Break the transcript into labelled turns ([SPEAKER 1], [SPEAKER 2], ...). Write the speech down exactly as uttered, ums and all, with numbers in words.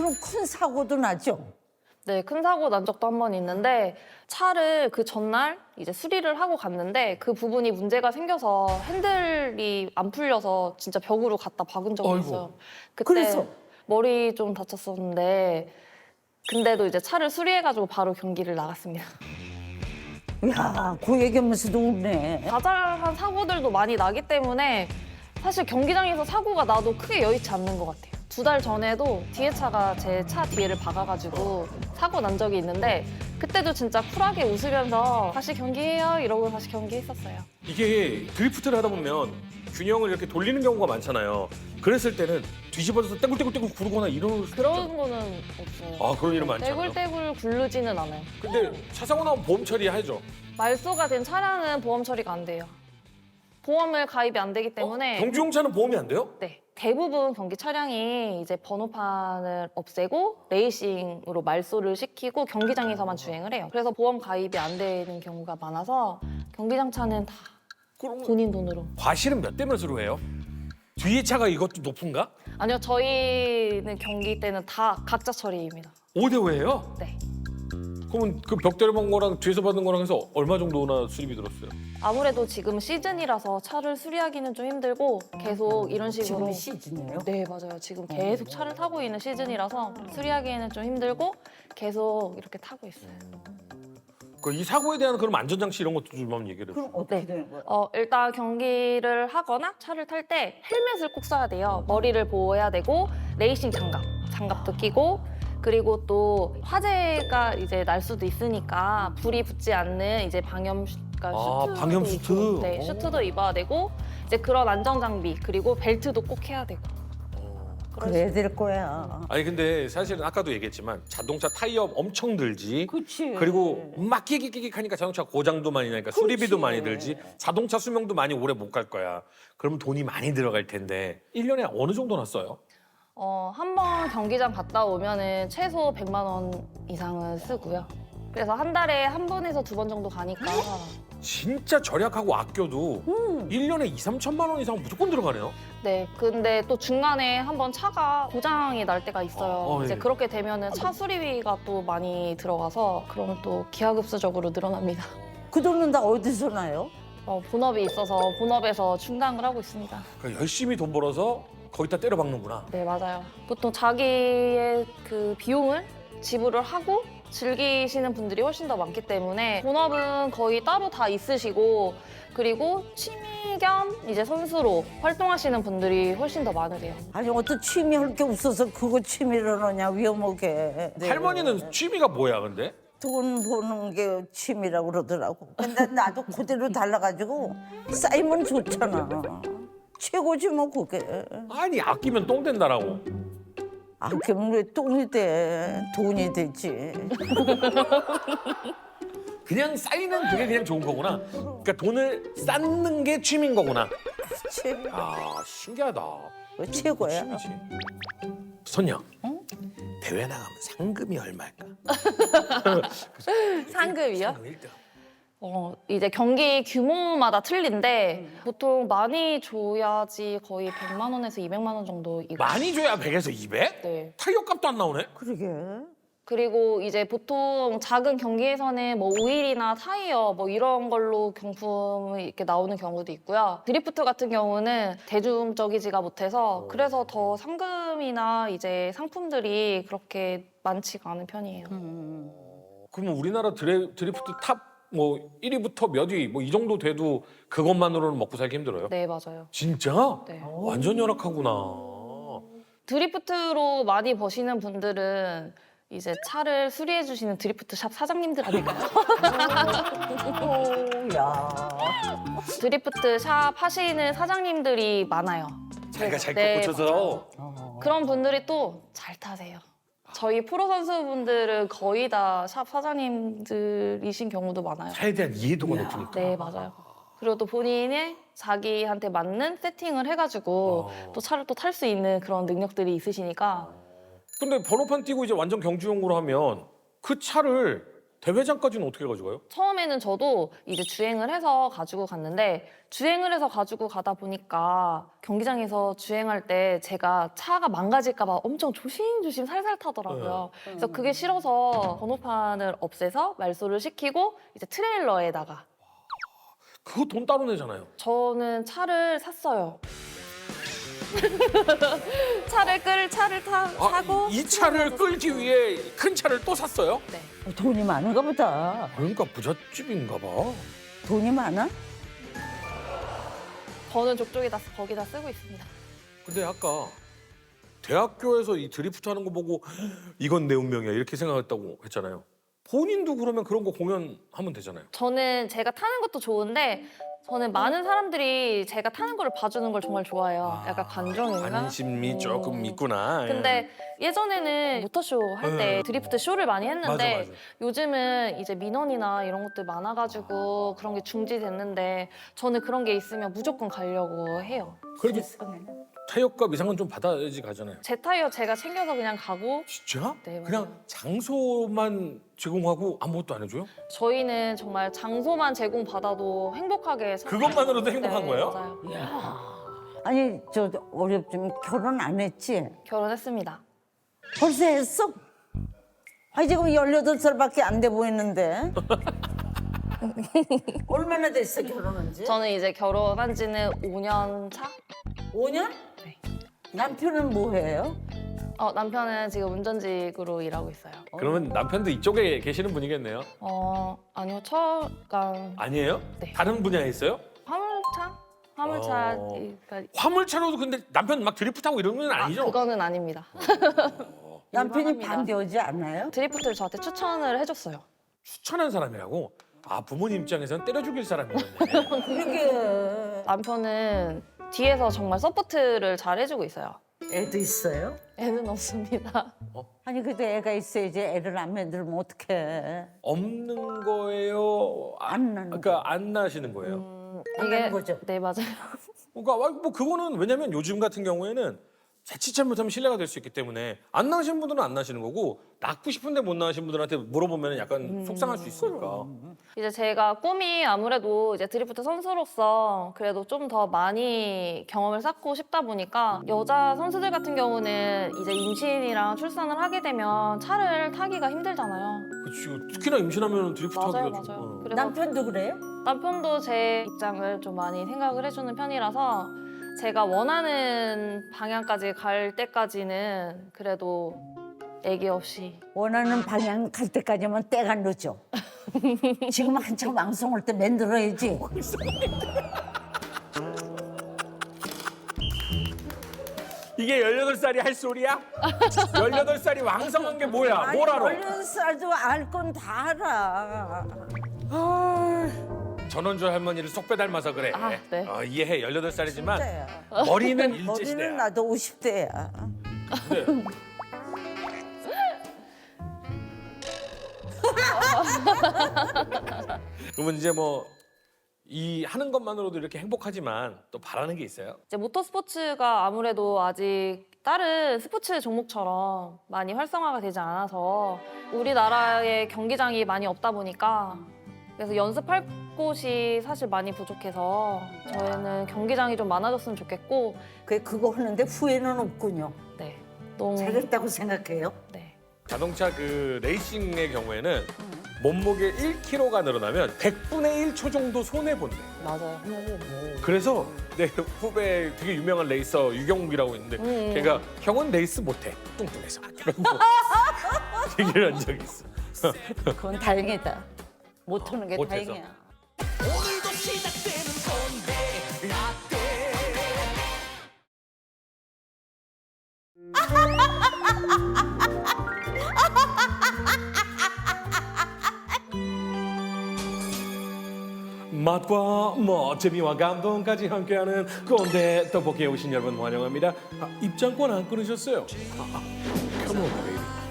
[SPEAKER 1] 그럼 큰 사고도 나죠?
[SPEAKER 2] 네, 큰 사고 난 적도 한 번 있는데 차를 그 전날 이제 수리를 하고 갔는데 그 부분이 문제가 생겨서 핸들이 안 풀려서 진짜 벽으로 갖다 박은 적이
[SPEAKER 3] 아이고.
[SPEAKER 2] 있어요. 그때
[SPEAKER 1] 그래서?
[SPEAKER 2] 머리 좀 다쳤었는데 근데도 이제 차를 수리해가지고 바로 경기를 나갔습니다.
[SPEAKER 1] 야, 그 얘기하면서도 웃네.
[SPEAKER 2] 자잘한 사고들도 많이 나기 때문에 사실 경기장에서 사고가 나도 크게 여의치 않는 것 같아요. 두 달 전에도 뒤에 차가 제 차 뒤에를 박아가지고 사고 난 적이 있는데 그때도 진짜 쿨하게 웃으면서 다시 경기해요 이러고 다시 경기했었어요.
[SPEAKER 3] 이게 드리프트를 하다 보면 균형을 이렇게 돌리는 경우가 많잖아요. 그랬을 때는 뒤집어져서 떼굴떼굴떼굴 구르거나 이런
[SPEAKER 2] 그런 거는 없어요.
[SPEAKER 3] 아 그런 일은 많지 않아요?
[SPEAKER 2] 떼굴떼굴 굴르지는 않아요.
[SPEAKER 3] 근데 차 사고 나면 보험 처리하죠.
[SPEAKER 2] 말소가 된 차량은 보험 처리가 안 돼요. 보험을 가입이 안 되기 때문에
[SPEAKER 3] 경주용차는 보험이 안 돼요?
[SPEAKER 2] 네. 대부분 경기 차량이 이제 번호판을 없애고 레이싱으로 말소를 시키고 경기장에서만 주행을 해요. 그래서 보험 가입이 안 되는 경우가 많아서 경기장 차는 다
[SPEAKER 3] 그럼
[SPEAKER 2] 본인 돈으로.
[SPEAKER 3] 과실은 몇 대 몇으로 해요? 뒤에 차가 이것도 높은가?
[SPEAKER 2] 아니요, 저희는 경기 때는 다 각자 처리입니다.
[SPEAKER 3] 오 대 오예요?
[SPEAKER 2] 네.
[SPEAKER 3] 그러면 그 벽 때려본 거랑 뒤에서 받은 거랑 해서 얼마 정도나 수리비 들었어요?
[SPEAKER 2] 아무래도 지금 시즌이라서 차를 수리하기는 좀 힘들고 계속 이런 식으로.
[SPEAKER 1] 지금 시즌이에요?
[SPEAKER 2] 네, 맞아요. 지금 계속 차를 타고 있는 시즌이라서 수리하기에는 좀 힘들고 계속 이렇게 타고 있어요.
[SPEAKER 3] 그 이 사고에 대한 그럼 안전장치 이런 것도 좀 한번 얘기를 해주세요.
[SPEAKER 1] 그럼 어떻게
[SPEAKER 2] 네.
[SPEAKER 1] 되는 거야?
[SPEAKER 2] 어, 일단 경기를 하거나 차를 탈 때 헬멧을 꼭 써야 돼요. 머리를 보호해야 되고 레이싱 장갑, 장갑도 끼고 그리고 또 화재가 이제 날 수도 있으니까 불이 붙지 않는 이제 방염 슈- 그러니까
[SPEAKER 3] 아,
[SPEAKER 2] 슈트도
[SPEAKER 3] 방염
[SPEAKER 2] 입고,
[SPEAKER 3] 슈트?
[SPEAKER 2] 네,
[SPEAKER 3] 오.
[SPEAKER 2] 슈트도 입어야 되고 이제 그런 안전 장비 그리고 벨트도 꼭 해야 되고.
[SPEAKER 1] 그래야 될 거야.
[SPEAKER 3] 아니 근데 사실은 아까도 얘기했지만 자동차 타이어 엄청 들지.
[SPEAKER 1] 그치.
[SPEAKER 3] 그리고 막 끼기끼기하니까 자동차 고장도 많이 나니까 수리비도 많이 들지. 자동차 수명도 많이 오래 못 갈 거야. 그러면 돈이 많이 들어갈 텐데 일 년에 어느 정도 났어요?
[SPEAKER 2] 어, 한 번 경기장 갔다 오면은 최소 백만 원 이상은 쓰고요. 그래서 한 달에 한 번에서 두 번 정도 가니까
[SPEAKER 3] 진짜 절약하고 아껴도 일 년에 이삼천만 원 이상 무조건 들어가네요.
[SPEAKER 2] 네, 근데 또 중간에 한번 차가 고장이 날 때가 있어요.
[SPEAKER 3] 어, 어,
[SPEAKER 2] 이제
[SPEAKER 3] 예.
[SPEAKER 2] 그렇게 되면은 차 수리비가 또 많이 들어가서 그럼 또 기하급수적으로 늘어납니다.
[SPEAKER 1] 그 돈은 다 어디서 나요?
[SPEAKER 2] 어, 본업이 있어서 본업에서 충당을 하고 있습니다.
[SPEAKER 3] 그러니까 열심히 돈 벌어서 거기다 때려 박는구나.
[SPEAKER 2] 네, 맞아요. 보통 자기의 그 비용을 지불을 하고 즐기시는 분들이 훨씬 더 많기 때문에 본업은 거의 따로 다 있으시고 그리고 취미 겸 이제 선수로 활동하시는 분들이 훨씬 더 많으세요.
[SPEAKER 1] 아니 어떤 취미 할 게 없어서 그거 취미를 하냐 위험하게. 네.
[SPEAKER 3] 할머니는 취미가 뭐야 근데?
[SPEAKER 1] 돈 버는 게 취미라고 그러더라고. 근데 나도 그대로 달라가지고 쌓이면 좋잖아. 최고지 뭐 그게.
[SPEAKER 3] 아니 아끼면 똥 된다라고.
[SPEAKER 1] 아끼면 왜 똥이 돼? 돈이 되지.
[SPEAKER 3] 그냥 쌓이는 그게 그냥 좋은 거구나. 그러니까 돈을 쌓는 게 취미인 거구나.
[SPEAKER 1] 그치?
[SPEAKER 3] 아 신기하다.
[SPEAKER 1] 그거 최고야.
[SPEAKER 3] 취미지. 선녀. 대회 나가면 상금이 얼마일까?
[SPEAKER 2] 상금이요?
[SPEAKER 3] 상금 일 등.
[SPEAKER 2] 어, 이제 경기 규모마다 틀린데 보통 많이 줘야지 거의 백만 원에서 이백만 원 정도 이거.
[SPEAKER 3] 많이 줘야 백에서 이백?
[SPEAKER 2] 네.
[SPEAKER 3] 타이어 값도 안 나오네?
[SPEAKER 1] 그러게.
[SPEAKER 2] 그리고 이제 보통 작은 경기에서는 뭐 오일이나 타이어 뭐 이런 걸로 경품이 이렇게 나오는 경우도 있고요. 드리프트 같은 경우는 대중적이지가 못해서 그래서 더 상금이나 이제 상품들이 그렇게 많지가 않은 편이에요.
[SPEAKER 3] 그러면 우리나라 드레, 드리프트 탑 뭐 일 위부터 몇 위 뭐 이 정도 돼도 그것만으로는 먹고 살기 힘들어요?
[SPEAKER 2] 네, 맞아요.
[SPEAKER 3] 진짜?
[SPEAKER 2] 네.
[SPEAKER 3] 완전 열악하구나.
[SPEAKER 2] 드리프트로 많이 버시는 분들은 이제 차를 수리해 주시는 드리프트 샵 사장님들 아닐까요?
[SPEAKER 1] 오, 야.
[SPEAKER 2] 드리프트 샵 하시는 사장님들이 많아요.
[SPEAKER 3] 자기가 잘
[SPEAKER 2] 네,
[SPEAKER 3] 고쳐서
[SPEAKER 2] 그런 분들이 또 잘 타세요. 저희 프로 선수분들은 거의 다 샵 사장님들이신 경우도 많아요.
[SPEAKER 3] 차에 대한 이해도가 높으니까.
[SPEAKER 2] 네, 맞아요. 그리고 또 본인이 자기한테 맞는 세팅을 해가지고
[SPEAKER 3] 어.
[SPEAKER 2] 또 차를 또 탈 수 있는 그런 능력들이 있으시니까
[SPEAKER 3] 근데 번호판 띄고 이제 완전 경주용으로 하면 그 차를 대회장까지는 어떻게 가져가요?
[SPEAKER 2] 처음에는 저도 이제 주행을 해서 가지고 갔는데 주행을 해서 가지고 가다 보니까 경기장에서 주행할 때 제가 차가 망가질까 봐 엄청 조심조심 살살 타더라고요. 그래서 그게 싫어서 번호판을 없애서 말소를 시키고 이제 트레일러에다가
[SPEAKER 3] 그거 돈 따로 내잖아요.
[SPEAKER 2] 저는 차를 샀어요. 차를 끌 차를 타,
[SPEAKER 3] 아,
[SPEAKER 2] 사고
[SPEAKER 3] 이, 이 차를 끌기 위해 큰 차를 또 샀어요?
[SPEAKER 2] 네.
[SPEAKER 1] 돈이 많은가 보다.
[SPEAKER 3] 그러니까 부잣집인가 봐.
[SPEAKER 1] 돈이 많아?
[SPEAKER 2] 저는 족족에다 거기다 쓰고 있습니다.
[SPEAKER 3] 근데 아까 대학교에서 이 드리프트 하는 거 보고 이건 내 운명이야 이렇게 생각했다고 했잖아요. 본인도 그러면 그런 거 공연하면 되잖아요.
[SPEAKER 2] 저는 제가 타는 것도 좋은데 저는 많은 사람들이 제가 타는 거를 봐주는 걸 정말 좋아해요. 약간 관종인가?
[SPEAKER 3] 관심이
[SPEAKER 2] 어.
[SPEAKER 3] 조금 있구나.
[SPEAKER 2] 근데 예전에는 모터쇼 할 때
[SPEAKER 3] 네.
[SPEAKER 2] 드리프트 쇼를 많이 했는데
[SPEAKER 3] 맞아, 맞아.
[SPEAKER 2] 요즘은 이제 민원이나 이런 것들 많아가지고 그런 게 중지됐는데 저는 그런 게 있으면 무조건 가려고 해요.
[SPEAKER 3] 그래도
[SPEAKER 1] 세상에.
[SPEAKER 3] 타협값 이상은 좀 받아야지 가잖아요.
[SPEAKER 2] 제 타이어 제가 챙겨서 그냥 가고
[SPEAKER 3] 진짜?
[SPEAKER 2] 네, 맞아요.
[SPEAKER 3] 그냥 장소만 제공하고 아무것도 안 해줘요?
[SPEAKER 2] 저희는 정말 장소만 제공받아도 행복하게 살아요.
[SPEAKER 3] 그것만으로도 행복한
[SPEAKER 2] 네,
[SPEAKER 3] 거예요?
[SPEAKER 2] 맞아요.
[SPEAKER 1] 아니 저 어렵지만 결혼 안 했지?
[SPEAKER 2] 결혼했습니다.
[SPEAKER 1] 벌써 했어? 아니 지금 열여덟 살밖에 안 돼 보이는데. 얼마나 됐어 결혼한 지?
[SPEAKER 2] 저는 이제 결혼한 지는 오 년 차?
[SPEAKER 1] 오 년?
[SPEAKER 2] 네.
[SPEAKER 1] 남편은 뭐 해요?
[SPEAKER 2] 어, 남편은 지금 운전직으로 일하고 있어요.
[SPEAKER 3] 그러면 남편도 이쪽에 계시는 분이겠네요?
[SPEAKER 2] 어, 아니요, 철강
[SPEAKER 3] 아니에요?
[SPEAKER 2] 네.
[SPEAKER 3] 다른 분야에 있어요?
[SPEAKER 2] 화물차? 화물차,
[SPEAKER 3] 어.
[SPEAKER 2] 그러니까
[SPEAKER 3] 화물차로도 근데 남편 막 드리프트하고 이런 건
[SPEAKER 2] 아,
[SPEAKER 3] 아니죠?
[SPEAKER 2] 그거는 아닙니다.
[SPEAKER 1] 남편이
[SPEAKER 2] 일반합니다.
[SPEAKER 1] 반대하지 않아요?
[SPEAKER 2] 드리프트를 저한테 추천을 해줬어요.
[SPEAKER 3] 추천한 사람이라고? 아 부모님 입장에서는 때려 죽일 사람이었네.
[SPEAKER 1] 그러게.
[SPEAKER 2] 남편은 뒤에서 정말 서포트를 잘 해주고 있어요.
[SPEAKER 1] 애도 있어요?
[SPEAKER 2] 애는 없습니다.
[SPEAKER 1] 아니 그래도 애가 있어야지 애를 안 만들면 어떡해.
[SPEAKER 3] 없는 거예요? 아,
[SPEAKER 1] 안 나는
[SPEAKER 3] 그러니까 안 나시는 거예요?
[SPEAKER 2] 음,
[SPEAKER 1] 안 나는 거죠?
[SPEAKER 2] 네, 맞아요.
[SPEAKER 3] 그러니까 와, 뭐 그거는 왜냐면 요즘 같은 경우에는 자칫 잘못하면 신뢰가 될 수 있기 때문에 안 나신 분들은 안 나시는 거고 낳고 싶은데 못 나신 분들한테 물어보면 약간 속상할 수 있으니까.
[SPEAKER 2] 이제 제가 꿈이 아무래도 이제 드리프트 선수로서 그래도 좀 더 많이 경험을 쌓고 싶다 보니까 여자 선수들 같은 경우는 이제 임신이랑 출산을 하게 되면 차를 타기가 힘들잖아요.
[SPEAKER 3] 그렇지. 특히나 임신하면 드리프트
[SPEAKER 2] 맞아요,
[SPEAKER 3] 하기가 좀.
[SPEAKER 2] 맞아요.
[SPEAKER 3] 어.
[SPEAKER 2] 그래서
[SPEAKER 1] 남편도 그래요?
[SPEAKER 2] 남편도 제 입장을 좀 많이 생각을 해주는 편이라서 제가 원하는 방향까지 갈 때까지는 그래도 애기 없이
[SPEAKER 1] 원하는 방향 갈 때까지만 때가 늦어. 지금 한참 왕성할 때 만들어야지.
[SPEAKER 3] 이게 열여덟 살이 할 소리야? 열여덟 살이 왕성한 게 뭐야? 뭘 알아?
[SPEAKER 1] 열여덟 살도 알 건 다 알아.
[SPEAKER 3] 전원주 할머니를 쏙 빼닮아서 그래.
[SPEAKER 2] 아, 네.
[SPEAKER 3] 어, 이해해. 열여덟 살이지만
[SPEAKER 1] 진짜야.
[SPEAKER 3] 머리는
[SPEAKER 1] 머리는
[SPEAKER 3] 일제시대야.
[SPEAKER 1] 나도 오십 대야.
[SPEAKER 3] 네. 그러면 이제 뭐 이 하는 것만으로도 이렇게 행복하지만 또 바라는 게 있어요.
[SPEAKER 2] 이제 모터스포츠가 아무래도 아직 다른 스포츠 종목처럼 많이 활성화가 되지 않아서 우리나라에 경기장이 많이 없다 보니까 그래서 연습할 곳이 사실 많이 부족해서 저희는 경기장이 좀 많아졌으면 좋겠고
[SPEAKER 1] 그 그거 하는데 후회는 없군요.
[SPEAKER 2] 네 너무
[SPEAKER 1] 잘했다고 생각해요.
[SPEAKER 2] 네
[SPEAKER 3] 자동차 그 레이싱의 경우에는 몸무게 일 킬로그램가 늘어나면 백분의 일 초 정도 손해 본대.
[SPEAKER 2] 맞아요.
[SPEAKER 3] 그래서 내 후배 되게 유명한 레이서 유경욱이라고 있는데
[SPEAKER 2] 음.
[SPEAKER 3] 걔가 형은 레이스 못해 뚱뚱해서 그러고 얘기를 한 적이 있어.
[SPEAKER 1] 그건 다행이다. 못 하는 게
[SPEAKER 3] 못해서.
[SPEAKER 1] 다행이야.
[SPEAKER 4] 오늘도 시작되는 건데 라떼
[SPEAKER 3] 맛과 뭐 재미와 감동까지 함께하는 꼰대 떡볶이에 오신 여러분 환영합니다. 아, 입장권 안 끊으셨어요? 아, 아, come on, baby.